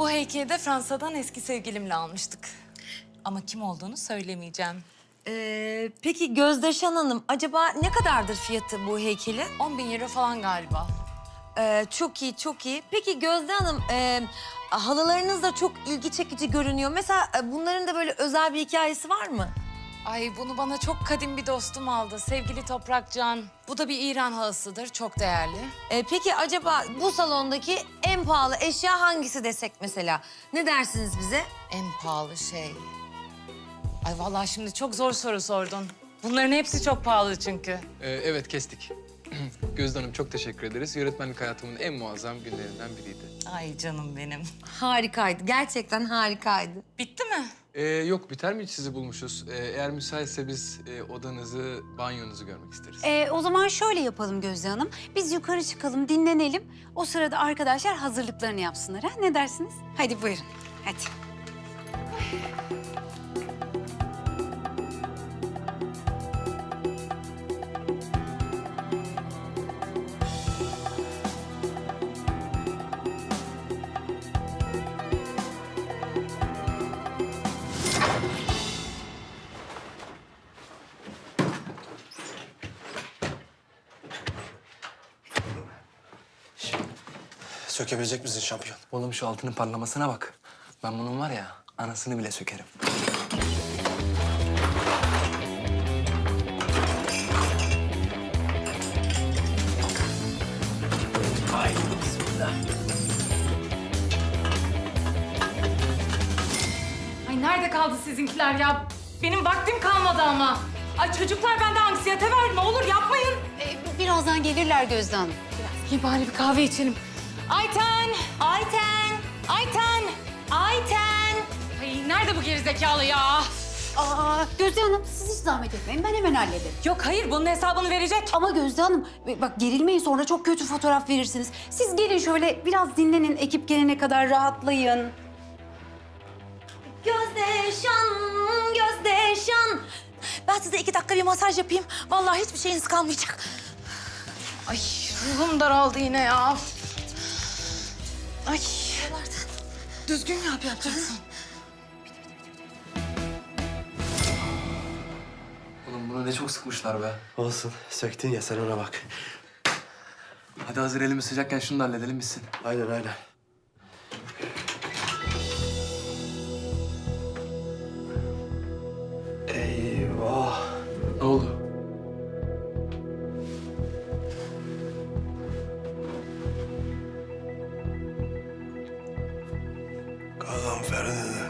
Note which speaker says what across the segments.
Speaker 1: Bu heykeli de Fransa'dan eski sevgilimle almıştık. Ama kim olduğunu söylemeyeceğim.
Speaker 2: Peki Gözdeşan Hanım, acaba ne kadardır fiyatı bu heykelin?
Speaker 1: 10.000 euro falan galiba.
Speaker 2: Çok iyi, çok iyi. Peki Gözde Hanım, halılarınız da çok ilgi çekici görünüyor. Mesela bunların da böyle özel bir hikayesi var mı?
Speaker 1: Ay bunu bana çok kadim bir dostum aldı. Sevgili Toprakcan. Bu da bir İran halısıdır. Çok değerli.
Speaker 2: Peki acaba bu salondaki en pahalı eşya hangisi desek mesela? Ne dersiniz bize?
Speaker 1: En pahalı şey. Ay vallahi şimdi çok zor soru sordun. Bunların hepsi çok pahalı çünkü.
Speaker 3: Evet, kestik. Gözde Hanım çok teşekkür ederiz. Yönetmenlik hayatımın en muazzam günlerinden biriydi.
Speaker 1: Ay canım benim.
Speaker 2: Harikaydı, gerçekten harikaydı.
Speaker 1: Bitti mi?
Speaker 3: Yok, biter mi hiç sizi bulmuşuz? Eğer müsaitse biz odanızı, banyonuzu görmek isteriz.
Speaker 4: O zaman şöyle yapalım Gözde Hanım. Biz yukarı çıkalım, dinlenelim. O sırada arkadaşlar hazırlıklarını yapsınlar. Ha? Ne dersiniz? Hadi buyurun. Hadi.
Speaker 5: Sökebilecek misin şampiyon?
Speaker 6: Oğlum şu altının parlamasına bak. Ben bunun var ya anasını bile sökerim. Haydi bismillah.
Speaker 1: Ay nerede kaldı sizinkiler ya? Benim vaktim kalmadı ama. Ay çocuklar bende anksiyete var. Ne olur yapmayın.
Speaker 4: Birazdan gelirler Gözde Hanım.
Speaker 1: İyi bari bir kahve içelim. Ayten! Ayten! Ayten! Ayten! Ay nerede bu gerizekalı ya?
Speaker 4: Gözde Hanım siz hiç zahmet etmeyin. Ben hemen hallederim.
Speaker 1: Yok hayır bunun hesabını verecek.
Speaker 4: Ama Gözde Hanım bak gerilmeyin sonra çok kötü fotoğraf verirsiniz. Siz gelin şöyle biraz dinlenin. Ekip gelene kadar rahatlayın.
Speaker 2: Gözdeşan, Gözdeşan. Ben size 2 dakika bir masaj yapayım. Vallahi hiçbir şeyiniz kalmayacak.
Speaker 1: Ay ruhum daraldı yine ya. Ay düzgün yapacaksın.
Speaker 6: Oğlum bunu ne çok sıkmışlar be.
Speaker 5: Olsun. Söktün ya sen ona bak.
Speaker 6: Hadi hazır elimiz sıcakken şunu da halledelim bitsin.
Speaker 5: Aynen aynen. Eyvah.
Speaker 6: Ne oldu?
Speaker 5: Gazanfer dedi.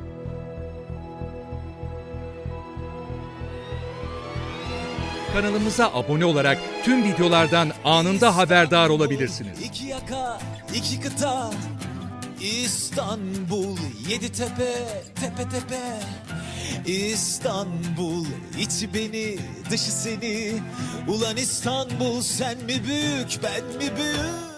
Speaker 7: Kanalımıza abone olarak tüm videolardan anında haberdar olabilirsiniz.
Speaker 8: İki yaka, iki kıta, İstanbul, yedi tepe, tepe tepe. İstanbul, içi beni, dışı seni. Ulan İstanbul, sen mi büyük, ben mi büyük?